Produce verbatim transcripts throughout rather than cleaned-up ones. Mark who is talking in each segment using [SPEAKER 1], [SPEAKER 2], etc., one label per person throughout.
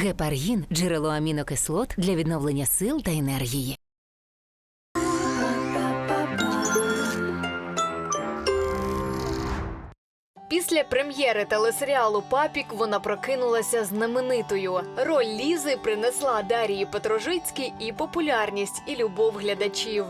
[SPEAKER 1] Гепаргін – джерело амінокислот для відновлення сил та енергії.
[SPEAKER 2] Після прем'єри телесеріалу «Папік» вона прокинулася знаменитою. Роль Лізи принесла Дар'ї Петрожицькій і популярність, і любов глядачів.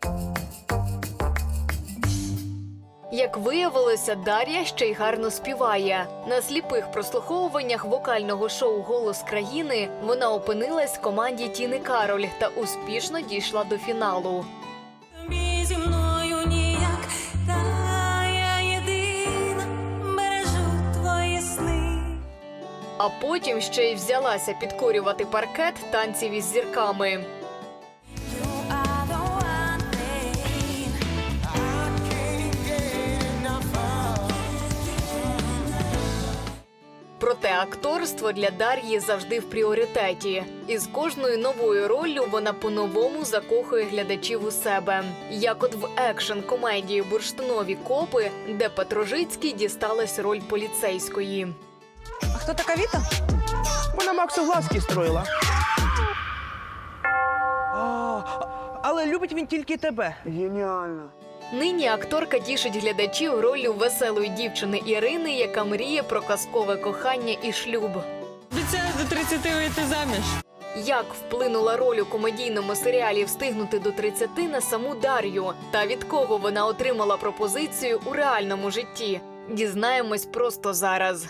[SPEAKER 2] Як виявилося, Дар'я ще й гарно співає. На сліпих прослуховуваннях вокального шоу «Голос країни» вона опинилась в команді Тіни Кароль та успішно дійшла до фіналу.
[SPEAKER 3] Зі мною ніяк, та я єдина бережу твої сни.
[SPEAKER 2] А потім ще й взялася підкорювати паркет танців із зірками. Проте акторство для Дар'ї завжди в пріоритеті. І з кожною новою роллю вона по-новому закохує глядачів у себе. Як от в екшн-комедії «Бурштинові копи», де Петрожицькій дісталась роль поліцейської.
[SPEAKER 4] А хто така Віта?
[SPEAKER 5] Вона Максу глазки строїла. А, але любить він тільки тебе. Геніально.
[SPEAKER 2] Нині акторка тішить глядачів роллю веселої дівчини Ірини, яка мріє про казкове кохання і шлюб.
[SPEAKER 4] Обіцяю до тридцяти вийти заміж.
[SPEAKER 2] Як вплинула роль у комедійному серіалі «Встигнути до тридцяти» на саму Дар'ю? Та від кого вона отримала пропозицію у реальному житті? Дізнаємось просто зараз.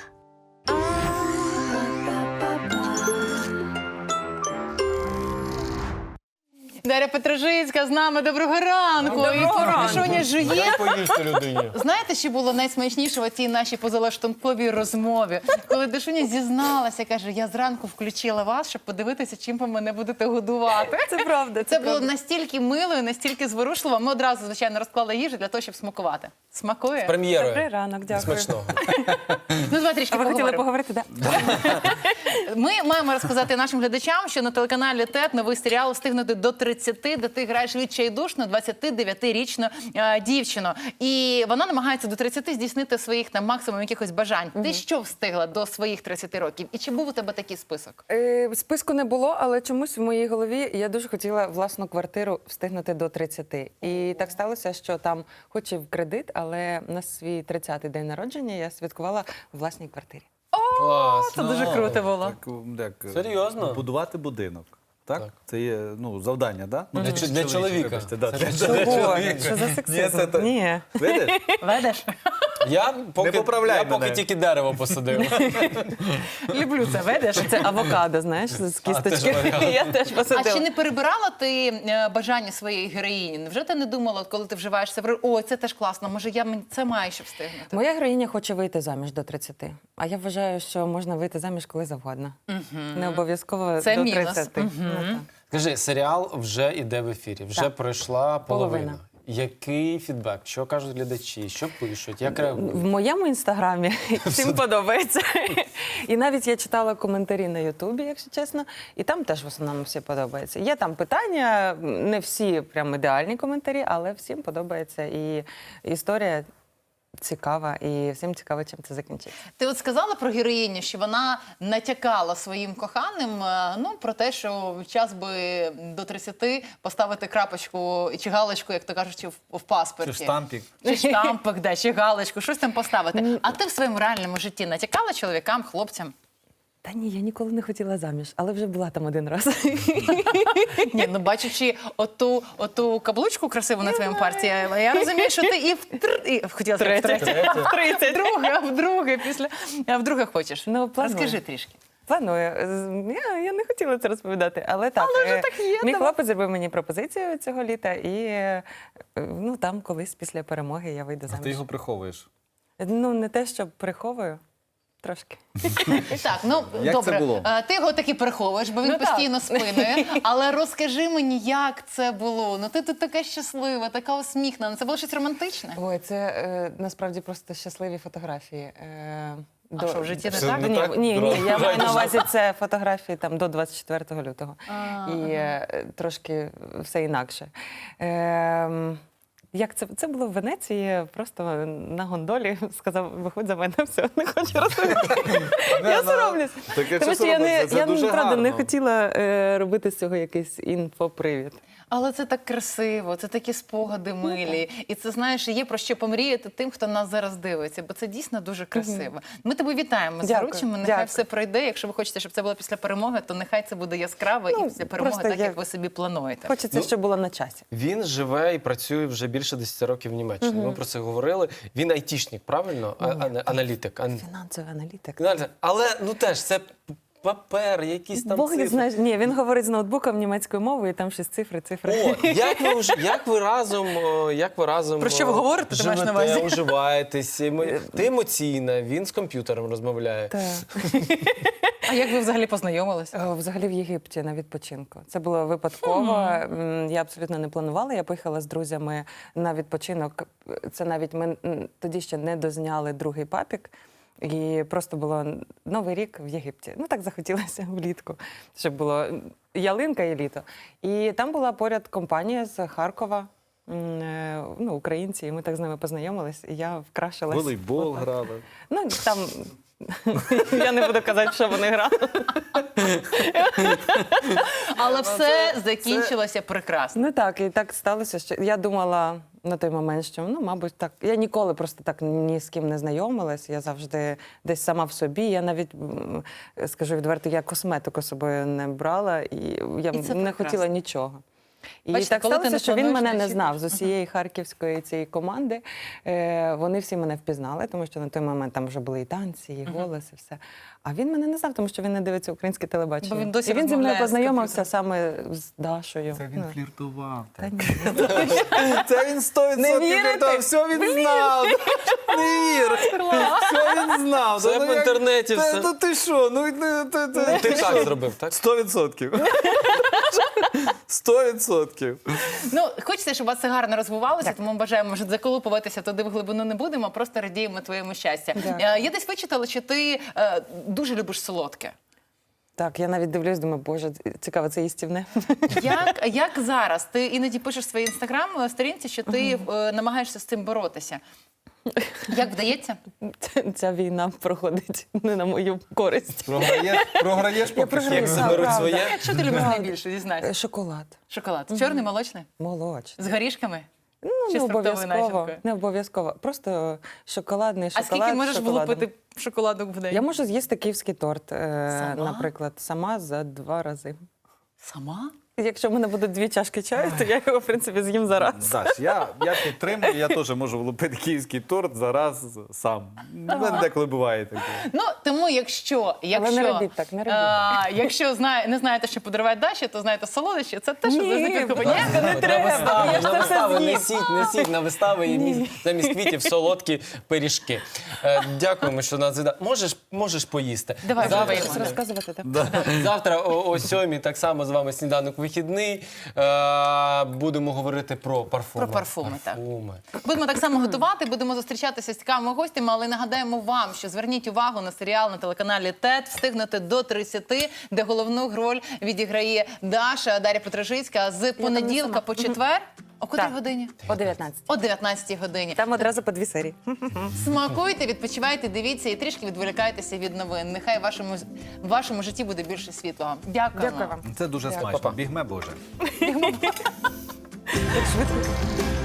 [SPEAKER 6] Дар'я Петрожицька з нами. Доброго ранку.
[SPEAKER 4] Доброго ранку.
[SPEAKER 6] Пішоня жує.
[SPEAKER 7] Поїсти людині.
[SPEAKER 6] Знаєте, що було найсмачніше в цій нашій позалаштунковій розмові? Коли Дашуня зізналася, каже, я зранку включила вас, щоб подивитися, чим ви мене будете годувати.
[SPEAKER 4] Це правда.
[SPEAKER 6] Це було настільки мило і настільки зворушливо. Ми одразу, звичайно, розклали їжу для того, щоб смакувати. Смакує?
[SPEAKER 7] Прем'єрою.
[SPEAKER 4] Добрий ранок, дякую.
[SPEAKER 7] Смачного.
[SPEAKER 6] Ну, давай трішки
[SPEAKER 4] А ви хотіли
[SPEAKER 6] поговоримо.
[SPEAKER 4] поговорити, так?
[SPEAKER 6] Ми маємо розказати нашим глядачам, що на телеканалі ТЕТ новий серіал «Встигнути до тридцяти», де ти граєш відчайдушну двадцятидев'ятирічну е, дівчину. І вона намагається до тридцяти здійснити своїх там максимум якихось бажань. Ти що встигла до своїх тридцяти років? І чи був у тебе такий список?
[SPEAKER 4] Е, списку не було, але чомусь в моїй голові я дуже хотіла власну квартиру встигнути до тридцяти. І так сталося, що там, хоч і в кредит, але на свій тридцятий день народження я святкувала в власній квартирі.
[SPEAKER 7] Клас.
[SPEAKER 6] Це дуже круто було.
[SPEAKER 8] Так, як,
[SPEAKER 7] Серйозно?
[SPEAKER 8] будувати будинок. Так?
[SPEAKER 7] Так.
[SPEAKER 8] Це є ну, завдання, так? Да?
[SPEAKER 7] Для, для чоловіка.
[SPEAKER 8] Вибачте, да,
[SPEAKER 7] Це
[SPEAKER 8] для
[SPEAKER 7] для
[SPEAKER 8] чоловіка.
[SPEAKER 4] Чого? Що за
[SPEAKER 8] Ні,
[SPEAKER 4] сексизм?
[SPEAKER 8] це то-
[SPEAKER 4] Ні.
[SPEAKER 8] Видиш?
[SPEAKER 6] Ведеш?
[SPEAKER 7] Я поки,
[SPEAKER 8] Не поправляй
[SPEAKER 7] я поки
[SPEAKER 8] мене.
[SPEAKER 7] тільки дерево посадив.
[SPEAKER 6] Люблю це. Ведеш?
[SPEAKER 4] Це авокадо, знаєш, з кісточки.
[SPEAKER 7] теж авокадо.
[SPEAKER 4] Я теж
[SPEAKER 6] А
[SPEAKER 4] посадила.
[SPEAKER 6] чи не перебирала ти е, бажання своєї героїні? Невже ти не думала, от коли ти вживаєшся в роль, ой, це теж класно, може я мен- це маю ще встигнути?
[SPEAKER 4] Моя героїня хоче вийти заміж до тридцяти. А я вважаю, що можна вийти заміж коли завгодно. Не обов'язково
[SPEAKER 6] Це
[SPEAKER 4] до
[SPEAKER 6] мінус.
[SPEAKER 4] тридцяти. Ну, так.
[SPEAKER 7] Скажи, серіал вже іде в ефірі, вже
[SPEAKER 4] Так.
[SPEAKER 7] пройшла половина.
[SPEAKER 4] Половина.
[SPEAKER 7] Який фідбек? Що кажуть глядачі? Що пишуть? Як реагують?
[SPEAKER 4] В моєму інстаграмі всім подобається. І навіть я читала коментарі на Ютубі, якщо чесно, і там теж в основному всі подобається. Є там питання, не всі прям ідеальні коментарі, але всім подобається. І історія цікава, і всім цікаво, чим це закінчиться.
[SPEAKER 6] Ти от сказала про героїню, що вона натякала своїм коханим, е, ну, про те, що час би до тридцяти поставити крапочку чи галочку, як то кажуть, в, в паспорті.
[SPEAKER 8] Чи штампік.
[SPEAKER 6] Чи штампик, да, чи галочку, щось там поставити. А ти в своєму реальному житті натякала чоловікам, хлопцям?
[SPEAKER 4] Та ні, я ніколи не хотіла заміж, але вже була там один раз.
[SPEAKER 6] Ні, ну бачачи оту, оту каблучку красиву на твоєму парті, я, я розумію, що ти і в тр... і, хотіла сказати, в третє, в тридцять, вдруге, а вдруге, після, а вдруге хочеш.
[SPEAKER 4] Ну, планую.
[SPEAKER 6] Розкажи трішки.
[SPEAKER 4] Планую. З- Я, я не хотіла це розповідати, але так.
[SPEAKER 6] Але вже
[SPEAKER 4] е,
[SPEAKER 6] так є,
[SPEAKER 4] Мій
[SPEAKER 6] давай.
[SPEAKER 4] хлопець зробив мені пропозицію цього літа, і е, ну, там колись після перемоги я вийду
[SPEAKER 8] А
[SPEAKER 4] заміж.
[SPEAKER 8] ти його приховуєш.
[SPEAKER 4] Ну, не те, що приховую, трошки.
[SPEAKER 6] Так, ну
[SPEAKER 8] Як
[SPEAKER 6] добре.
[SPEAKER 8] це було?
[SPEAKER 6] Е, Ти його таки приховуєш, бо він
[SPEAKER 4] Ну, так.
[SPEAKER 6] постійно спинує. Але розкажи мені, як це було. Ну ти тут така щаслива, така усміхнена. Це було щось романтичне?
[SPEAKER 4] Ой, це е, насправді просто щасливі фотографії. Е,
[SPEAKER 6] А що, в житті не
[SPEAKER 8] Все
[SPEAKER 6] так?
[SPEAKER 8] не
[SPEAKER 4] Ні,
[SPEAKER 8] так?
[SPEAKER 4] ні, ні, я маю на
[SPEAKER 8] Давай.
[SPEAKER 4] увазі це фотографії там до двадцять четвертого лютого.
[SPEAKER 6] А,
[SPEAKER 4] І е, трошки все інакше. Е, Як це? Це було в Венеції, просто на гондолі сказав, виходь за мене, все, не хочу розповідати. Я соромлюсь.
[SPEAKER 8] Таке
[SPEAKER 4] Тому
[SPEAKER 8] що
[SPEAKER 4] що я, не,
[SPEAKER 8] соромиться, це
[SPEAKER 4] я
[SPEAKER 8] дуже
[SPEAKER 4] правда не
[SPEAKER 8] гарно.
[SPEAKER 4] хотіла е, робити з цього якийсь інфопривід.
[SPEAKER 6] Але це так красиво, це такі спогади милі. І це, знаєш, є про що помріяти тим, хто нас зараз дивиться, бо це дійсно дуже красиво. Ми тебе вітаємо з
[SPEAKER 4] Дякую,
[SPEAKER 6] заручами, нехай
[SPEAKER 4] дякую.
[SPEAKER 6] все пройде. Якщо ви хочете, щоб це було після перемоги, то нехай це буде яскраво
[SPEAKER 4] Ну,
[SPEAKER 6] і після перемоги,
[SPEAKER 4] просто
[SPEAKER 6] так
[SPEAKER 4] я-
[SPEAKER 6] як ви собі плануєте.
[SPEAKER 4] Хочеться,
[SPEAKER 7] Ну,
[SPEAKER 4] щоб було на часі.
[SPEAKER 7] Він живе і працює вже більше десять років в Німеччині. Ми про це говорили. Він айтішник, правильно? А- ана- аналітик. Ан-
[SPEAKER 4] Фінансовий аналітик.
[SPEAKER 7] Аналітик. Але ну теж це папер, якісь там
[SPEAKER 4] Бог не
[SPEAKER 7] цифри.
[SPEAKER 4] знає. Ні, він говорить з ноутбуком німецькою мовою, і там щось цифри, цифри.
[SPEAKER 7] О, як ви вже- як ви разом, о, як ви разом
[SPEAKER 6] Про що ви
[SPEAKER 7] о,
[SPEAKER 6] говорите, ти маєш на
[SPEAKER 7] живете,
[SPEAKER 6] увазі?
[SPEAKER 7] уживаєтесь? Емо- Ти емоційна, він з комп'ютером розмовляє.
[SPEAKER 4] Так.
[SPEAKER 6] А як ви взагалі познайомились?
[SPEAKER 4] Е, Взагалі в Єгипті на відпочинку. Це було випадково. М, Я абсолютно не планувала. Я поїхала з друзями на відпочинок. Це навіть ми м, тоді ще не дозняли другий папік. І просто було Новий рік в Єгипті. Ну так захотілося влітку, щоб було ялинка і літо. І там була поряд компанія з Харкова. м, е, Ну, українці, і ми так з ними познайомились, і я вкрашилась.
[SPEAKER 8] Волейбол
[SPEAKER 4] Отак.
[SPEAKER 8] грали.
[SPEAKER 4] Ну, там я не буду казати, що вони грали.
[SPEAKER 6] Але все закінчилося прекрасно.
[SPEAKER 4] Ну так, і так сталося, що я думала на той момент, що ну, мабуть, так. Я ніколи просто так ні з ким не знайомилась. Я завжди десь сама в собі. Я навіть м, скажу відверто, я косметику з собою не брала, і я
[SPEAKER 6] І це
[SPEAKER 4] не
[SPEAKER 6] прекрасно.
[SPEAKER 4] хотіла нічого. І
[SPEAKER 6] Бачите,
[SPEAKER 4] так
[SPEAKER 6] коли ти
[SPEAKER 4] сталося,
[SPEAKER 6] не
[SPEAKER 4] що він
[SPEAKER 6] плануєш,
[SPEAKER 4] мене
[SPEAKER 6] не
[SPEAKER 4] не
[SPEAKER 6] очікуєш.
[SPEAKER 4] знав з усієї харківської цієї команди. Е, вони всі мене впізнали, тому що на той момент там вже були і танці, і голос, і все. А він мене не знав, тому що він не дивиться українське телебачення.
[SPEAKER 6] Бо він досі
[SPEAKER 4] і він зі мною
[SPEAKER 6] розмовляє з
[SPEAKER 4] познайомився саме з Дашою.
[SPEAKER 8] Це він
[SPEAKER 4] Ну.
[SPEAKER 8] фліртував.
[SPEAKER 4] Та ні.
[SPEAKER 8] Це він сто відсотків
[SPEAKER 4] вірите?
[SPEAKER 8] фліртував. Все він знав. Не вір. Все він знав.
[SPEAKER 7] Це
[SPEAKER 8] Та,
[SPEAKER 7] в
[SPEAKER 8] ну, як-
[SPEAKER 7] інтернеті
[SPEAKER 8] Та-
[SPEAKER 7] все.
[SPEAKER 8] Та ти що? Ну, ти- ти- ти-
[SPEAKER 7] Ти так зробив, так?
[SPEAKER 8] Сто відсотків. Сто відсотків.
[SPEAKER 6] Ну, хочеться, щоб у вас це гарно розвивалося, тому бажаємо, може, заколупуватися туди в глибину не будемо, а просто радіємо твоєму щастя.
[SPEAKER 4] Дякую.
[SPEAKER 6] Е, Я десь вичитала, що ти е, дуже любиш солодке.
[SPEAKER 4] Так, я навіть дивлюсь, думаю, боже, цікаво, це їстівне.
[SPEAKER 6] Як, як зараз? Ти іноді пишеш в своїй інстаграм-сторінці, що ти е, намагаєшся з цим боротися. Як вдається?
[SPEAKER 4] Ця- Ця війна проходить не на мою користь.
[SPEAKER 8] Програєш, програєш поки
[SPEAKER 4] програю.
[SPEAKER 8] що.
[SPEAKER 7] Як
[SPEAKER 4] Так,
[SPEAKER 7] заберуть
[SPEAKER 4] правда.
[SPEAKER 7] своє?
[SPEAKER 6] Що ти любиш найбільше, дізнайся?
[SPEAKER 4] Е, Шоколад.
[SPEAKER 6] Шоколад. Чорний, молочний?
[SPEAKER 4] Молочний.
[SPEAKER 6] З горішками?
[SPEAKER 4] Ну,
[SPEAKER 6] Чи
[SPEAKER 4] не
[SPEAKER 6] з фруктовою
[SPEAKER 4] обов'язково.
[SPEAKER 6] начинкою?
[SPEAKER 4] Не обов'язково. Просто шоколадний
[SPEAKER 6] А
[SPEAKER 4] шоколад.
[SPEAKER 6] скільки можеш
[SPEAKER 4] з шоколадом.
[SPEAKER 6] влупити шоколадок в день?
[SPEAKER 4] Я можу з'їсти київський торт, е,
[SPEAKER 6] Сама?
[SPEAKER 4] наприклад, сама за два рази.
[SPEAKER 6] Сама?
[SPEAKER 4] Якщо в мене буде дві чашки чаю, то я його, в принципі, з'їм за раз.
[SPEAKER 8] Даш, я, я підтримую, я теж можу влупити київський торт зараз сам. У мене деколи буває таке.
[SPEAKER 6] Ну, тому якщо, якщо,
[SPEAKER 4] не робіть так, не робіть
[SPEAKER 6] а, якщо знає, не знаєте, що подарувати Даші, то знаєте солодощі, це те, що
[SPEAKER 4] Ні,
[SPEAKER 6] завжди
[SPEAKER 4] будь
[SPEAKER 6] підкупає.
[SPEAKER 4] ласка, не
[SPEAKER 7] На
[SPEAKER 4] треба.
[SPEAKER 7] вистави,
[SPEAKER 4] Я ж
[SPEAKER 7] на
[SPEAKER 4] це все
[SPEAKER 7] вистави
[SPEAKER 4] з'їм.
[SPEAKER 7] несіть, несіть на вистави і міс- замість квітів солодкі пиріжки. Е, Дякуємо, що нас віддали. Можеш, можеш поїсти.
[SPEAKER 6] Давай, вже
[SPEAKER 7] Завтра,
[SPEAKER 6] виймемо.
[SPEAKER 4] Розказувати так?
[SPEAKER 7] завтра о, о сьомій так само з вами сніданок вихідний. Е, Будемо говорити про парфуми.
[SPEAKER 6] Про парфуми, так.
[SPEAKER 7] Парфуми.
[SPEAKER 6] Будемо так само готувати, будемо зустрічатися з цікавими гостями, але нагадаємо вам, що зверніть увагу на серіал на телеканалі ТЕТ «Встигнути до тридцяти», де головну роль відіграє Даша, Дар'я Петрожицька з понеділка
[SPEAKER 4] сама.
[SPEAKER 6] по четвер. О котрій
[SPEAKER 4] Так.
[SPEAKER 6] годині?
[SPEAKER 4] О дев'ятнадцятій.
[SPEAKER 6] О дев'ятнадцятій годині.
[SPEAKER 4] Там одразу по дві серії.
[SPEAKER 6] Смакуйте, відпочивайте, дивіться і трішки відволікайтеся від новин. Нехай в вашому, в вашому житті буде більше світлого. Дякуємо.
[SPEAKER 4] Дякую вам.
[SPEAKER 8] Це дуже
[SPEAKER 4] Дякую.
[SPEAKER 8] смачно.
[SPEAKER 7] Па-па.
[SPEAKER 8] Бігме Боже.
[SPEAKER 4] Як швидко.